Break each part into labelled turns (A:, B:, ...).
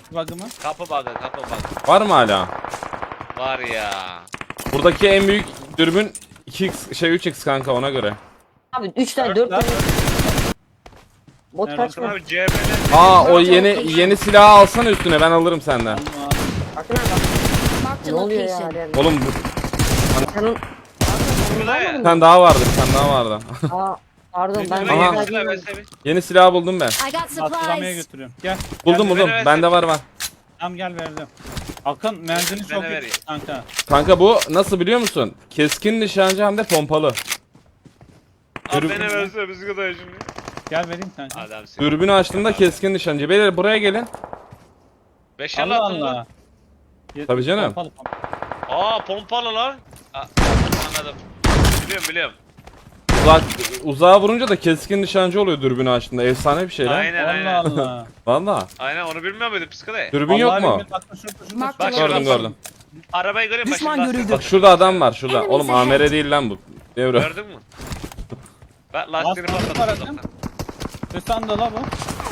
A: bug'ı mı?
B: Kapı bug'ı, kapı bug'ı.
C: Var mı hala?
B: Var ya.
C: Buradaki en büyük dürbün 2x 3x kanka, ona göre.
D: Abi 3 tane 4
A: Dört lan.
D: tane. Bot
A: Nerede?
D: kaçma.
B: Abi CHP'den.
C: Aa, o yeni silahı alsana üstüne, ben alırım senden.
A: Allah.
D: Bakın abi bak.
E: Marked
D: Ne
E: a
D: oluyor ya?
E: location.
D: Hadi.
C: Oğlum
D: Senin...
B: Burada ya.
C: bir tane daha vardı, bir tane daha vardı.
D: Aa, pardon ben
A: Aha.
B: Yeni
D: de
B: silah versene bir.
C: Yeni silahı buldum ben.
E: I got
A: Hatırlamaya
E: supplies.
A: götürüyorum. Gel.
C: Buldum
A: Gel,
C: buldum.
B: ver,
C: Bende var.
A: Tamam gel verdim. Akın menzili
B: Ben
A: çok
B: de
A: iyi
B: vereyim.
A: kanka.
C: Kanka bu nasıl biliyor musun? Keskin nişancı hem de pompalı.
B: Abi beni versene biz kadar şimdi.
A: Gel vereyim kanka.
B: Adamsın.
C: Dürbünü açtığında keskin nişancı. Beyler buraya gelin.
B: 5
A: Allah
B: attın lan.
A: Allah.
C: Tabii canım.
A: Pompalı, pompalı.
B: Aa pompalı lan. Aa, anladım. Biliyorum.
C: Uzağa vurunca da keskin nişancı oluyor dürbünü açtığında. Efsane bir şey lan.
B: Aynen
A: Allah
B: aynen.
A: Allah.
C: Valla.
B: Aynen onu bilmiyor muydun psikoloji?
C: Dürbün yok
A: Vallahi
C: mu?
A: bilmiyorum, bak şurada.
E: Mark
B: Bak
E: the
C: Gördüm
E: location.
C: gördüm.
B: Arabayı göreyim
F: Düşman
B: başımda.
F: görüldü.
C: Bak şurada adam var şurada.
E: Enemies
C: Oğlum
E: ahead.
C: AMR değil lan bu. Devre.
B: Gördün mü? Bak lastiğini
A: Lastik var
B: patlattım.
A: adam. Üstten de la bu.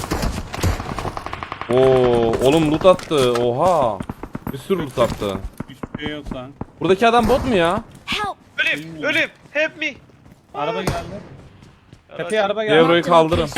C: Oo, oğlum loot attı. Oha. Bir sürü loot attı.
A: Hiçbir şey yok lan.
C: Buradaki adam bot mu ya?
E: Help.
B: Ölüm. Help me.
A: Araba geldi. Tepeye araba geldi.
C: Devroyu kaldırın.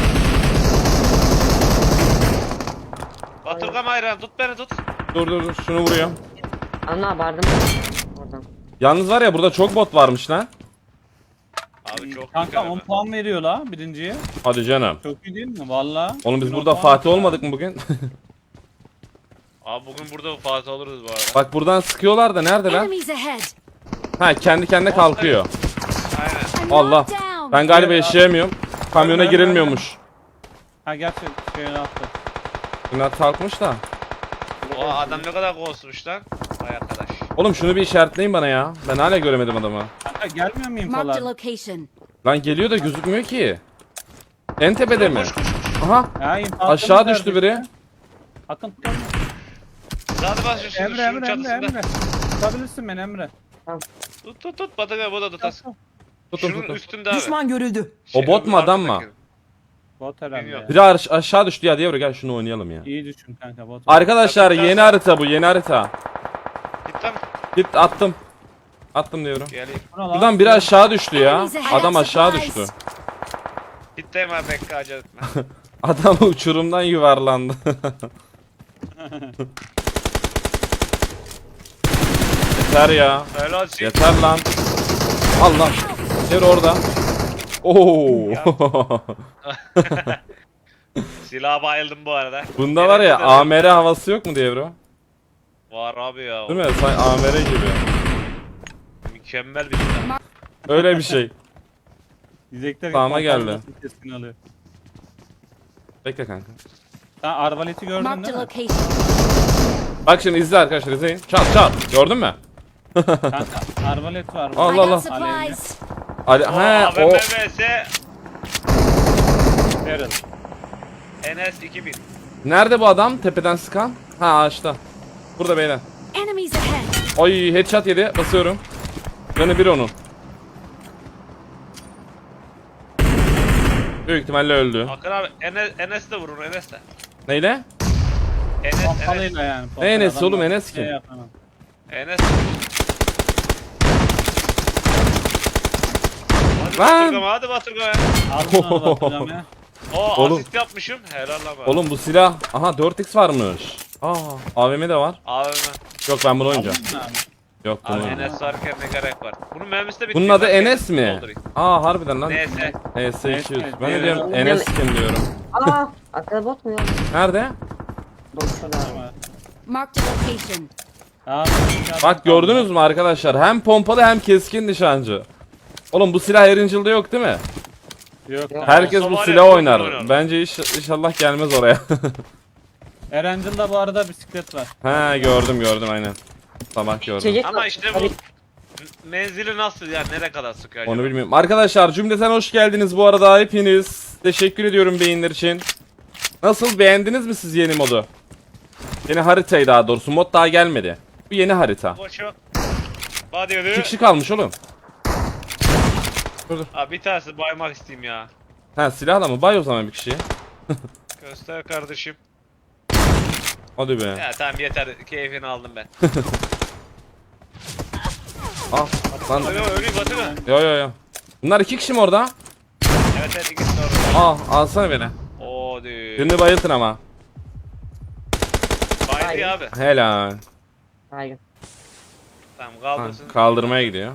B: Baturgam hayran tut beni tut.
C: Dur şunu vuruyorum.
D: Anla vardım. Oradan.
C: Yalnız var ya, burada çok bot varmış lan.
B: Abi çok
A: Kanka
B: güzel
A: 10
B: ama.
A: puan veriyor la birinciye.
C: Hadi canım.
A: Çok iyi değil mi? Valla.
C: Oğlum biz
A: On
C: burada
A: puan
C: Fatih
A: veriyor.
C: olmadık mı bugün?
B: Abi bugün burada Fatih oluruz bu arada.
C: Bak buradan sıkıyorlar da nerede lan?
E: Enemies ahead.
C: Ha, kendi kendine kalkıyor.
B: Aynen.
E: I'm
C: Allah.
E: knocked down.
C: Ben galiba yaşayamıyorum. Kamyona
A: Nerede,
C: girilmiyormuş.
A: Ha gerçi şeyini attı.
C: Bunlar kalkmış da.
B: O adam ne kadar ghostmuş lan. Vay arkadaş.
C: Oğlum şunu bir işaretleyin bana ya. Ben hala göremedim adamı.
A: Kanka gelmiyor muyum
E: Marked a
A: falan?
E: location.
C: Lan geliyor da gözükmüyor ki. En tepede mi?
B: Koş koş.
C: Aha.
A: Ya infazını
C: Aşağı
A: verdi
C: düştü
A: işte.
C: biri.
A: Akın tutar mı?
B: Hadi bas şunu
A: Emre
B: şunun
A: Emre Emre
B: çatısında.
A: Emre. Tutabilirsin beni Emre.
B: Tut Baturgam bu da tutas.
C: Tutun
B: Şunun
C: tutun.
B: üstünde abi.
F: Düşman görüldü.
C: O bot mu, adam mı?
B: arkadaki.
A: Bot herhalde.
B: Bilmiyorum.
A: ya.
C: Biri aşağı düştü ya, diye gel şunu oynayalım ya.
A: İyi düşün kanka bot.
C: Arkadaşlar
B: Tabii,
C: yeni
B: tabii.
C: harita bu, yeni harita.
B: Git lan.
C: Git attım. Attım diyorum.
B: Geleyim.
A: Bu ne lan?
C: Buradan biri aşağı düştü ya.
E: Enemies ahead.
C: Adam aşağı
E: Supplies.
C: düştü.
B: Gitteyim abi bekle acele etme.
C: Adam uçurumdan yuvarlandı. Yeter ya.
B: Öyle olsun.
C: Yeter lan. Allah. Yer orada. Oo.
B: Silaha bayıldım bu arada.
C: Bunda var ya
B: Gerekli de-
C: AMR havası yok mu diye bro?
B: Var abi ya.
C: Değil mi? Sen AMR gibi.
B: Mükemmel bir silah.
C: Öyle bir şey.
A: Diyecekler ki
C: Sağıma geldi.
A: kontrol nasıl keskin alıyor.
C: Bekle kanka.
A: Sen arbaleti gördün
E: Marked
A: değil
E: a
A: mi?
E: location.
C: Bak şimdi izle arkadaşlar, izleyin. Çat çat. Gördün mü?
A: Kanka arbalet var.
E: I
C: Allah Allah.
E: got supplies.
C: Ali,
B: O
C: he
B: AVM
C: o.
B: vs
A: Daryl.
B: NS 2000.
C: Nerede bu adam? Tepeden sıkan? Ha, ağaçta. Burada beyler.
E: Enemies ahead.
C: Ay, headshot yedi. Basıyorum. Canı bir onun. Büyük ihtimalle öldü.
B: Akın abi NS de vurur NS de.
C: Neyle?
B: NS
A: Pompalıyla yani.
C: Ne Enes
A: Adamlar
C: oğlum, Enes
A: şey
C: kim?
A: yapamam.
B: NS. Hadi
C: Lan!
B: Baturgam hadi Baturgam ya.
A: Aldın onu bakacağım ya.
B: O
C: Oğlum.
B: asist yapmışım. Helal lan bana.
C: Oğlum bu silah. Aha 4x varmış. Aa, AVM de var.
B: AVM.
C: Yok, ben bunu oynayacağım.
A: Aldın mı abi?
C: Yok, bunu
B: Abi
C: oynayacağım.
B: NS varken ne gerek var? Bunun mermisi de bitti.
C: Bunun adı
B: Ben
C: Enes mi?
B: doldurayım.
C: Aa, harbiden lan.
B: NS.
C: HS200. Ben de
A: Evet.
C: diyorum Enes kim diyorum.
D: Aa, arkada bot mu ya?
C: Nerede?
D: Bot şurada.
A: Tamam.
E: Marked a location.
A: Tamam.
C: Bak gördünüz mü arkadaşlar? Hem pompalı hem keskin nişancı. Oğlum bu silah Erangel'da yok değil mi?
A: Yok.
D: Yok.
C: Herkes
B: Olsa
C: bu
B: var ya,
C: silah
B: çok
C: oynar.
B: oynarım.
C: Bence inşallah gelmez oraya.
A: Erangel'da bu arada bisiklet var.
C: He, gördüm aynen. Sabah gördüm.
D: İçecek
B: Ama
D: var.
B: işte
D: Hadi.
B: bu menzili nasıl yani nereye kadar sıkıyor acaba?
C: Onu bilmiyorum. Arkadaşlar cümleten hoş geldiniz bu arada hepiniz. Teşekkür ediyorum beğeniler için. Nasıl, beğendiniz mi siz yeni modu? Yeni haritayı daha doğrusu. Mod daha gelmedi. Bu yeni harita.
B: Koşu. Hadi yürü.
C: 2 kişi kalmış oğlum.
B: Abi bir tanesi baymak isteyeyim ya.
C: Ha, silahla mı? Bay o zaman bir kişiye.
B: Göster kardeşim.
C: Hadi be.
B: Ya tamam yeter. Keyfini aldım ben.
C: Ah lan.
B: Ölüyor batı mı?
C: Yo yo yo. Bunlar 2 kişi mi orada?
B: Evet evet ikisi de orada.
C: Alsana beni.
B: Oo düğün.
C: Birini bayıltın ama.
B: Baydı abi.
C: Helal.
D: Baygın.
B: Tamam
C: Ha,
B: kaldırsın.
C: kaldırmaya gidiyor.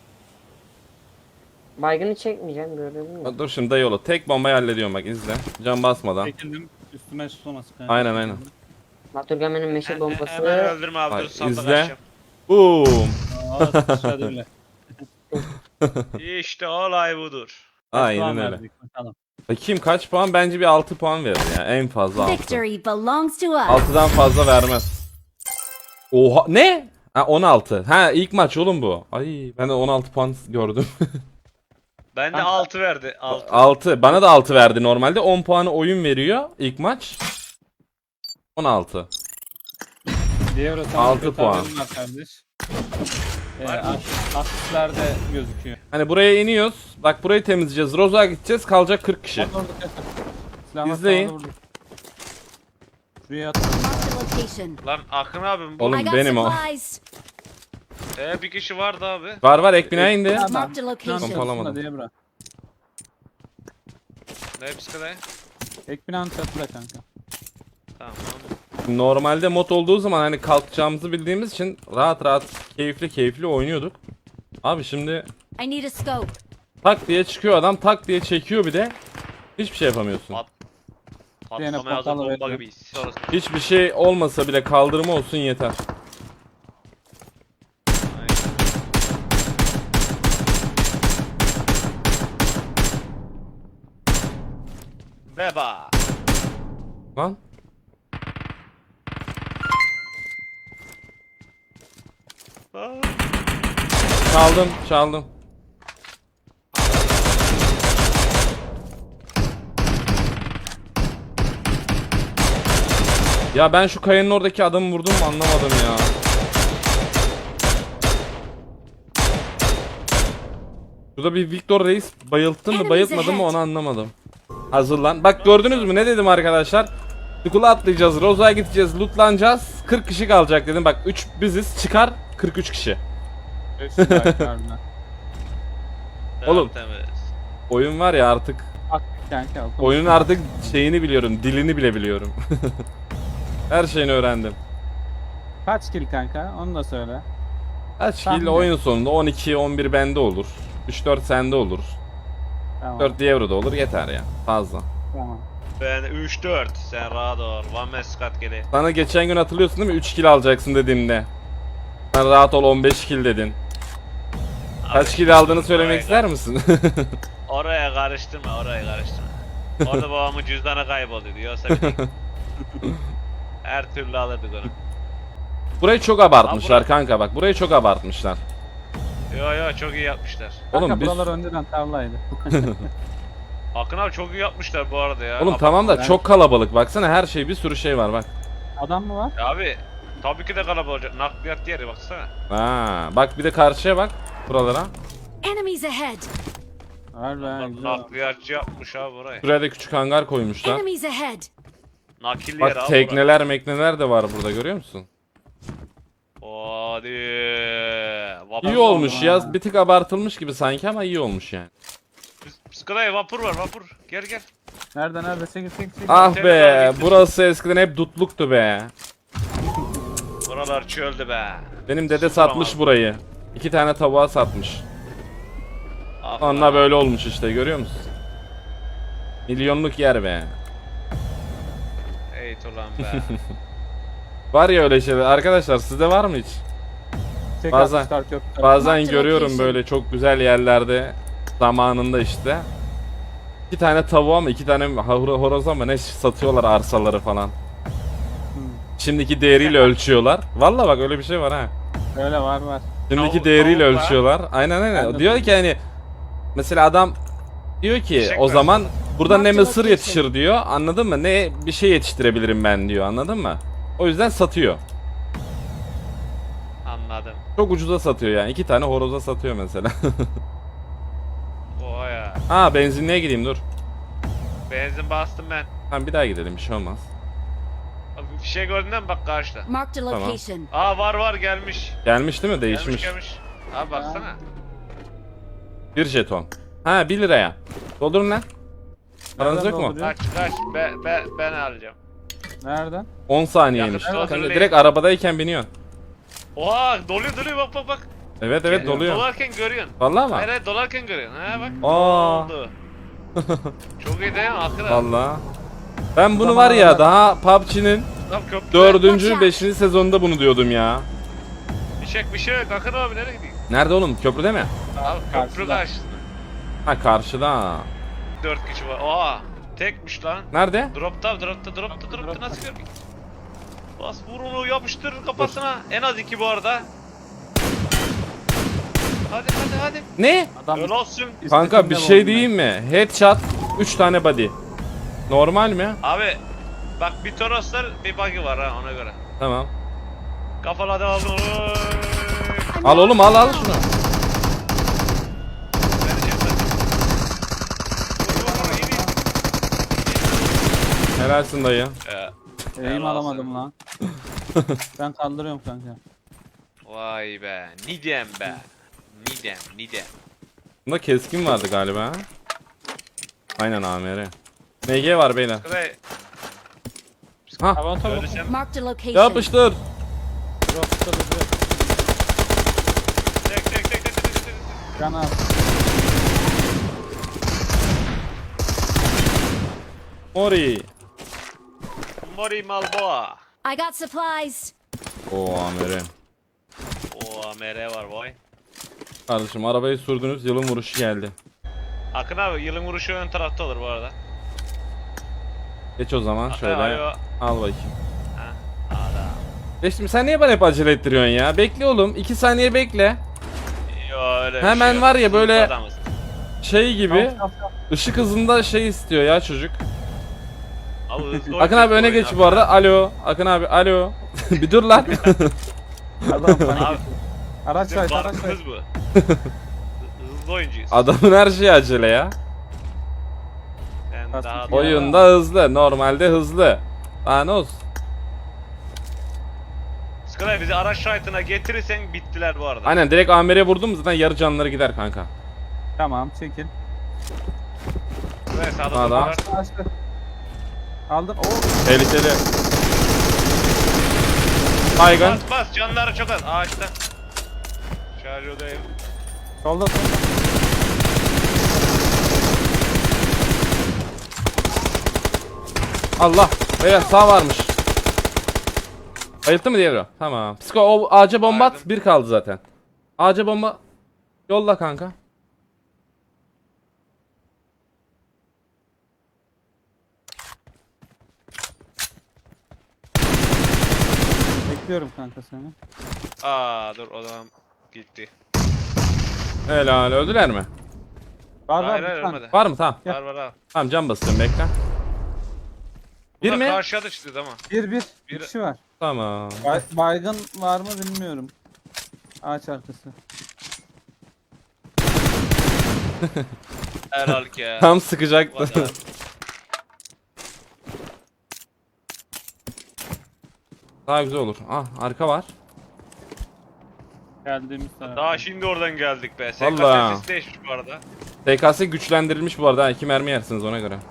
D: Baygını çekmeyeceğim gördün mü?
C: Dur şimdi yolu. Tek bombayı hallediyorum bak izle. Can basmadan.
A: Çekildim. Üstüme sulaması kanka.
C: Aynen.
D: Naturgamen'in meşe
B: Hemen
D: bombası.
B: öldürme abi
C: Hayır,
B: dur sandık
C: izle.
B: açacağım.
C: Boom.
A: Aa sıçradı bile.
B: İşte olay budur.
C: Aynen
A: Puan
C: öyle.
A: verdik, bakalım.
C: Bakayım kaç puan? Bence bir 6 puan verir ya. En fazla 6.
E: Victory belongs to us.
C: 6'dan fazla vermez. Oha ne? Ha 16. Ha ilk maç oğlum bu. Ay ben de 16 puan gördüm.
B: Ben de 6 verdi. 6.
C: 6. Bana da 6 verdi normalde. 10 puanı oyun veriyor ilk maç. 16.
A: Diğer o
C: 6 puan.
A: Var kardeş. Asistlerde gözüküyor.
C: Hani buraya iniyoruz. Bak burayı temizleyeceğiz. Roza'ya gideceğiz. Kalacak 40 kişi.
A: Bak orada kaçır. Silahlar
C: İzleyin.
A: sağda vurdu. Şuraya at.
E: Marked a location.
B: Lan Akın abim bu.
C: Oğlum
E: I got
C: benim o.
E: supplies.
B: Bir kişi vardı abi.
C: Var ek binaya indi.
E: Marked a location.
C: Pompalamadım.
A: Diye bırak.
B: Ne psikoloji?
A: Ek binanın çatıda kanka.
B: Tamam.
C: Normalde mod olduğu zaman hani kalkacağımızı bildiğimiz için rahat keyifli oynuyorduk. Abi şimdi
E: I need a scope.
C: tak diye çıkıyor adam, tak diye çekiyor bir de. Hiçbir şey yapamıyorsun.
A: Yine
B: Patlamaya hazır
A: portalı
B: bomba
A: veriyor.
B: gibiyiz. Sonrası.
C: Hiçbir şey olmasa bile kaldırma olsun yeter.
B: Beba.
C: Lan. Çaldım. Ya ben şu kayanın oradaki adamı vurdum mu anlamadım ya. Şurada bir Victor Reis bayılttın mı bayıltmadın mı onu anlamadım. Hazırlan. Bak gördünüz mü ne dedim arkadaşlar? Skull'a atlayacağız, Roza'ya gideceğiz, lootlanacağız. 40 kişi kalacak dedim. Bak 3 biziz çıkar 43 kişi. Oğlum.
B: Temiz.
C: Oyun var ya artık.
A: Bak kanka.
C: Oyunun artık şeyini biliyorum, dilini bile biliyorum. Her şeyini öğrendim.
A: Kaç kill kanka? Onu da söyle.
C: Kaç
A: Tahmin
C: kill
A: et.
C: oyun sonunda 12-11 bende olur. 3-4 sende olur.
A: Tamam.
C: 4 Diablo'da olur yeter ya. Fazla.
A: Tamam.
B: Ben 3-4. Sen rahat ol. One man squad geliyor.
C: Sana geçen gün hatırlıyorsun değil mi? 3 kill alacaksın dediğimde. Sen rahat ol 15 kill dedin. Kaç kill aldığını söylemek ister misin?
B: Oraya karıştırma. Orada babamın cüzdanı kayboldu diyorsa bileyim. Her türlü alırdık onu.
C: Burayı çok abartmışlar
B: Abi
C: kanka bak. Burayı çok abartmışlar.
B: Yo çok iyi yapmışlar.
A: Kanka
C: Oğlum biz...
A: buralar önceden tarlaydı.
B: Akın abi çok iyi yapmışlar bu arada ya.
C: Oğlum tamam da çok kalabalık. Baksana her şey bir sürü şey var bak.
A: Adam mı var?
B: Abi tabii ki de kalabalık olacak. Nakliyat yeri baksana.
C: Ha, bak bir de karşıya bak. Buralara.
E: Enemies ahead.
A: Var be. güzel.
B: Nakliyatçı yapmış abi burayı.
C: Şuraya da küçük hangar koymuşlar.
E: Enemies ahead.
B: Nakil yer
C: Bak
B: abi
C: tekneler mekneler de var burada görüyor musun?
B: Hadi. Vapur
C: İyi olmuş
A: ha.
C: ya. Bir tık abartılmış gibi sanki ama iyi olmuş yani.
B: Psikolojik vapur var vapur. Gel.
A: Nerede? Çekil.
C: Ah
B: Temiz
C: be,
B: abi.
C: burası eskiden hep dutluktu be.
B: Buralar çöldü be.
C: Benim dede
B: Sıfır
C: satmış
B: ama.
C: burayı. 2 tane tavuğa satmış.
B: Ah
C: Onunla
B: lan.
C: böyle olmuş işte görüyor musun? Milyonluk yer be.
B: Ey ulan be.
C: Var ya öyle şeyler. Arkadaşlar sizde var mı hiç?
A: Çek
C: Bazen-
A: atmışlar köprüden.
C: Bazen
E: Marked
C: görüyorum
E: location.
C: böyle çok güzel yerlerde zamanında işte. 2 tane tavuğa mı 2 tane horoza mı ne satıyorlar arsaları falan. Şimdiki değeriyle ölçüyorlar. Valla bak öyle bir şey var ha.
A: Öyle var.
C: Şimdiki
B: Tavuk-
C: değeriyle
B: tavuk var.
C: ölçüyorlar. Aynen.
A: Ben de
C: Diyor ki hani mesela adam diyor ki
B: Eşek
C: o
B: var.
C: zaman burada ne
E: Marked
C: mısır
E: location.
C: yetişir diyor. Anladın mı? Ne bir şey yetiştirebilirim ben diyor. Anladın mı? O yüzden satıyor.
B: Anladım.
C: Çok ucuza satıyor yani. 2 tane horoza satıyor mesela.
B: Oha ya.
C: Ha benzinliğe gideyim dur.
B: Benzin bastım ben.
C: Tamam bir daha gidelim bir şey olmaz.
B: Abi Fişe gördün mü bak karşıda.
E: Marked a
C: Tamam.
E: location.
B: Aa var gelmiş.
C: Gelmiş değil mi? Değişmiş.
B: Gelmiş. Abi baksana.
C: Bir jeton. Ha 1 liraya. Doldurun lan. Paranız
A: Nereden
C: yok mu?
A: dolduruyor?
B: Kaç ben alacağım.
A: Nereden?
C: 10 saniyeymiş.
B: Yakıt
C: Kanka,
B: doldurun.
C: direkt arabadayken biniyorsun.
B: Oha doluyor bak.
C: Evet evet doluyor.
B: Dolarken görüyorsun.
C: Vallahi
B: Hayır
C: mı?
B: hayır dolarken görüyorsun. Ha bak.
C: Aa.
B: Oldu. Çok iyi değil mi? Akıl abi.
C: Vallahi. Ben bunu var ya daha PUBG'nin
B: Tam köprü.
C: 4. 5. sezonunda bunu diyordum ya.
B: Bir şey yok. Akın abi nereye gidiyor?
C: Nerede oğlum? Köprüde mi?
B: Abi köprü
A: Karşıda.
B: karşısında.
C: Ha karşıda.
B: 4 kişi var. Oha. Tekmiş lan.
C: Nerede?
B: Dropta nasıl görmüyor? Bas vur onu yapıştır kafasına. En az 2 bu arada. Hadi.
C: Ne?
A: Adam
B: Öyle olsun.
C: Kanka bir şey diyeyim mi? Headshot 3 tane body. Normal mi?
B: Abi bak bir Toroslar bir buggy var ha ona göre.
C: Tamam.
B: Kafaladı aldın. Oy.
C: Al oğlum al şunu.
B: Beni çekme. Vur, iyi.
C: Helalsin dayı.
B: Helal
A: Eğim
B: olsun.
A: alamadım lan. Ben kaldırıyorum kanka.
B: Vay be. Nidem be. Nidem.
C: Bunda keskin vardı galiba. Ha? Aynen AMR. MG var beyler.
B: Kızay.
C: Ha
A: Hava tabi.
B: Öldürsem.
E: Marked a location.
C: yapıştır.
B: Tek.
A: Can al.
C: Mori.
B: Mori Malboa.
E: I got supplies.
C: Oo AMR.
B: O AMR var boy.
C: Kardeşim arabayı sürdünüz yılın vuruşu geldi.
B: Akın abi yılın vuruşu ön tarafta olur bu arada.
C: Geç o zaman şöyle.
B: Ayo.
C: Al bakayım.
B: Adam.
C: Geçtim sen niye bana hep acele ettiriyorsun ya? Bekle oğlum 2 saniye bekle.
B: Yo öyle bir
C: Hemen
B: şey
C: var ya
B: yok.
C: böyle-
B: Adamız.
C: Şey gibi ışık hızında şey istiyor ya çocuk.
B: Abi, hızlı
C: Akın abi öne
B: oyun
C: geç bu arada. Alo. Akın abi alo. Bir dur lan.
A: Adam panik.
B: Abi
A: Araç
B: bizim
A: var, araç var.
B: farkımız bu. Hızlı oyuncuyuz.
C: Adamın her şeyi acele ya.
B: Sen
A: Aslında
B: daha
A: ya.
C: Oyunda hızlı. Normalde hızlı. Daha ne olsun?
B: Sky bizi araç şahitine getirirsen bittiler bu arada.
C: Aynen direkt AMR'ye vurdum mu zaten yarı canları gider kanka.
A: Tamam çekil.
B: Sky sağda
C: Adam.
B: durdular.
A: Açtı. Aldın. Oo.
C: Tehlikeli. Baygın.
B: Bas canları çok az ağaçta. Şarjodayım.
A: Solda.
C: Allah. Beyler sağ varmış. Bayılttı mı diğeri o? Tamam. Psiko o ağaca bomba at.
B: Bayıldım.
C: Bir kaldı zaten. Ağaca bomba. Yolla kanka.
A: Bekliyorum kanka seni.
B: Aa dur o zaman gitti.
C: Helal öldüler mi?
A: Var
B: Hayır
A: var
B: hayır
A: bir tane.
B: ölmedi.
C: Var mı? Tamam.
B: Var abi.
C: Tamam can basıyorum bekle. Bir
B: Bunlar
C: mi?
B: Karşıya da çıktı ama.
A: Bir. Bir
B: Bir-
A: kişi var.
C: Tamam.
A: Baygın var mı bilmiyorum. Ağaç arkası.
B: Helal ki ya.
C: Tam sıkacaktı.
B: Vallahi.
C: Daha güzel olur. Ah arka var.
A: Geldiğimiz taraf.
B: Daha şimdi oradan geldik be.
C: Vallahi.
B: SKS değişmiş bu arada.
C: TKS güçlendirilmiş bu arada. 2 mermi yersiniz ona göre.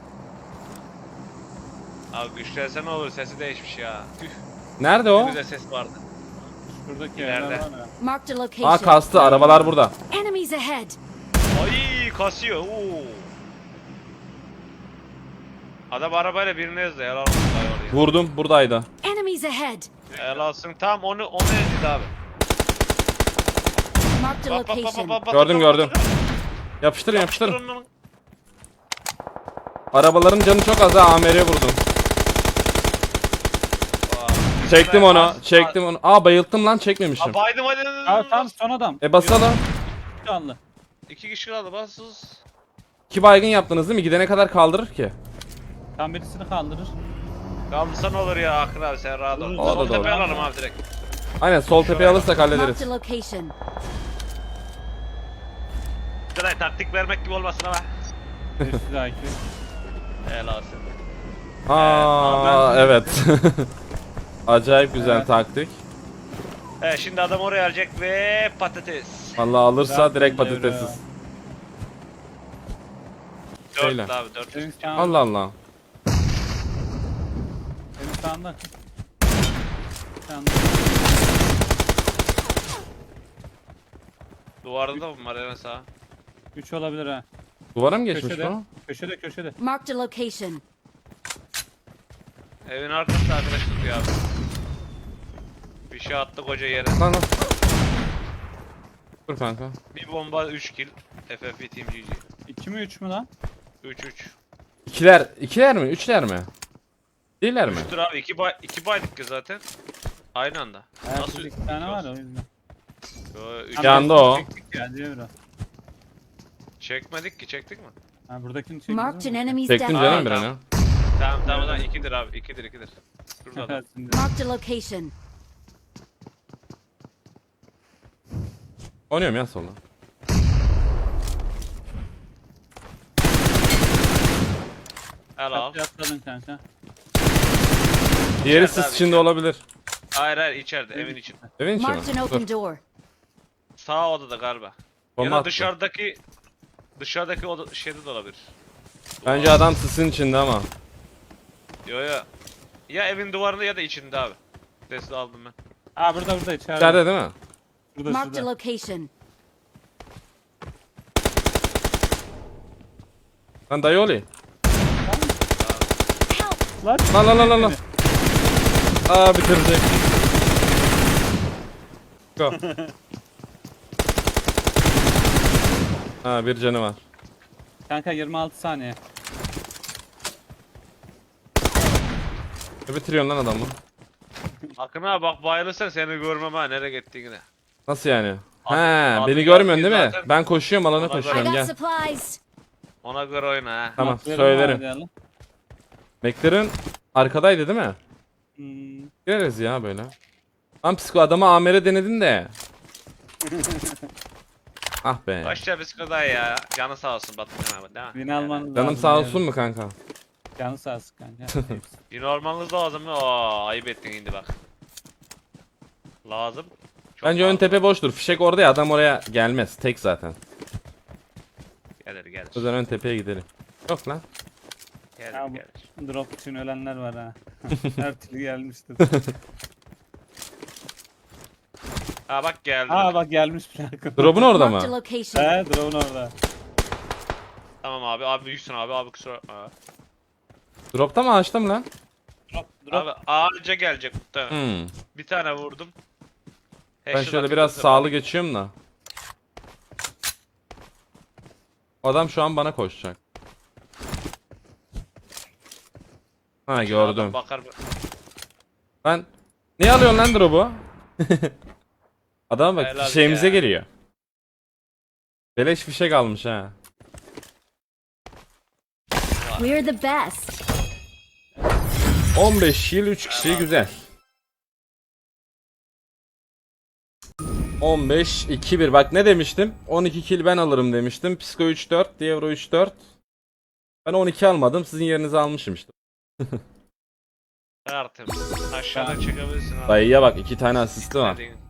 B: Abi güçlense ne olur sesi değişmiş ya. Tüh.
C: Nerede
B: Ne
C: o?
B: güzel ses vardı.
A: Şuradaki
B: İleride.
A: yerler var ya.
E: Marked a location.
C: Aa kastı. Arabalar burada.
E: Enemies ahead.
B: Ay kasıyor. Oo. Adam arabayla birini ezdi. Helal olsun dayı oraya.
C: Vurdum. Buradaydı.
E: Enemies ahead.
B: Helal olsun. Tam onu ezdi abi.
E: Marked a location.
C: Gördüm, gördüm. Yapıştırın yapıştırın. Arabaların canı çok az ha. AMR'ye vurdum. Çektim onu. Çektim onu. Aa bayılttım lan çekmemişim.
B: Aa, baydım hadi.
A: Aa tam son adam.
C: Basalım.
A: Canlı.
B: 2 kişi kaldı bassız.
C: 2 baygın yaptınız değil mi? Gidene kadar kaldırır ki.
A: Tam birisini kaldırır.
B: Kalmışsa ne olur ya Akın abi sen rahat ol.
A: O
C: da
B: Sol
C: doğru.
B: tepeye alalım abi direkt.
C: Aynen sol tepeye alırsak hallederiz.
E: Marked a location.
B: Direkt taktik vermek gibi olmasın ama.
A: Üstü de IQ.
B: Helal olsun.
C: Aa evet. Acayip güzel
A: Evet.
C: taktik.
B: Evet şimdi adam oraya alacak ve patates.
C: Vallahi alırsa
A: Zaten
C: direkt
A: devre.
C: patatesiz.
B: 4
C: Söyle.
B: abi 4.
A: Senin sağında.
C: Allah Allah.
A: Senin sağında. Sağında.
B: Duvarda da mı var hemen sağa?
A: 3 olabilir ha.
C: Duvara mı geçmiş
A: Köşede.
C: bu?
A: Köşede.
E: Marked a location.
B: Evin arkasında arkadaş tutuyor abi. Bir şey attı koca yere.
C: Lan lan. Dur kanka.
B: Bir bomba 3 kill. FFP Team GG.
A: 2 mi 3 mü lan?
B: 3-3.
C: İkiler mi? Üçler mi? Değiller mi?
B: Dur abi 2 baydık ki zaten. Aynı anda.
A: Nasıl 2 tane var o yüzden.
B: Üç
C: Yandı o.
A: Çektik ya diyor biraz.
B: çekmedik ki çektik mi?
A: Ha buradakini çektik.
E: Marked an enemy's
C: Çektin
E: death.
C: canım bir
B: tamam.
C: an.
B: Tamam tamam o zaman 2'dir abi 2'dir. Şurada adam.
E: Marked a location.
C: Oynuyorum ya sola.
B: Al al.
A: Atladın kanka.
C: Diğeri
B: İçeride
C: siz
B: abi,
C: içinde
B: içeride.
C: olabilir.
B: Hayır içeride evin içinde.
C: Evin içi
E: Marked an
C: mi?
E: open
C: Dur.
E: door.
B: Sağ odada galiba. Ya
C: Bomba
B: da
C: attı.
B: dışarıdaki oda şeyde de olabilir.
C: Bence adam sisin içinde ama.
B: Yo. Ya evin duvarında ya da içinde abi. Sesli aldım ben.
A: Aa burada içeride.
C: İçeride değil mi?
E: Marked a
A: Şurada.
E: location.
C: Lan dayı olayım.
E: Help!
A: Lan.
C: Lan. Aa bitirecek. Go. Ha bir canı var.
A: Kanka 26 saniye.
C: Ne bitiriyorsun lan adamı?
B: Akın abi bak bayılırsan seni görmem ha nereye gittiğini.
C: Nasıl yani? He
B: Adı
C: beni görmüyorsun değil mi?
B: zaten-
C: Ben koşuyorum alana
B: Ona göre-
E: I
C: koşuyorum
E: got
C: gel.
E: supplies.
B: Ona göre oyna ha.
C: Tamam
A: Maklerim
C: söylerim.
A: vardı ya lan.
C: McLaren arkadaydı değil mi?
A: Hmm.
C: Gireriz ya böyle. Lan psiko adama amere denedin de. Ah be.
B: Başla bisikada ya. Canı sağ olsun Batıkan abi değil mi?
A: Win almanız
C: Canım
A: lazım
C: sağ
A: yani.
C: olsun mu kanka?
A: Canı sağ olsun kanka.
B: Yine olmanız lazım mı? Aa ayıp ettin şimdi bak. Lazım. Çok
C: Bence ön
B: lazım.
C: tepe boştur. Fişek orada ya adam oraya gelmez. Tek zaten.
B: Gelir.
C: O yüzden ön tepeye gidelim. Yok lan.
A: Ya bu-
B: Gelir.
A: Drop için ölenler var ha. Her türlü gelmiştir.
B: Ha bak geldi.
A: Aa bak gelmiş plaka.
C: Drop'un orada
E: Marked a
C: mı?
E: location.
A: He drop'un orada.
B: Tamam abi. Abi büyüksün abi. Abi kusura bakma.
C: Drop'ta mı açtım lan?
A: Drop.
B: Abi ağaca gelecek muhtemelen.
C: Hmm.
B: Bir tane vurdum.
C: Ben
B: Headshot
C: şöyle
B: atıyor
C: biraz
B: zaten.
C: sağlı geçiyorum da. Adam şu an bana koşacak. Ha
B: Adam
C: gördüm.
B: Bakar.
C: Lan niye alıyorsun lan drop'u? Adam bak
B: Helal
C: fişeğimize
B: ya.
C: geliyor. Beleş fişek almış ha.
E: We're the best.
C: 15 yıl 3 kişi güzel. 15 2-1 bak ne demiştim? 12 kill ben alırım demiştim. Psiko 3-4, Dievro 3-4. Ben 12 almadım. Sizin yerinize almışım işte.
B: Artık aşağıdan çekebilirsin abi.
C: Dayıya bak 2 tane asisti var.
B: Dediğin.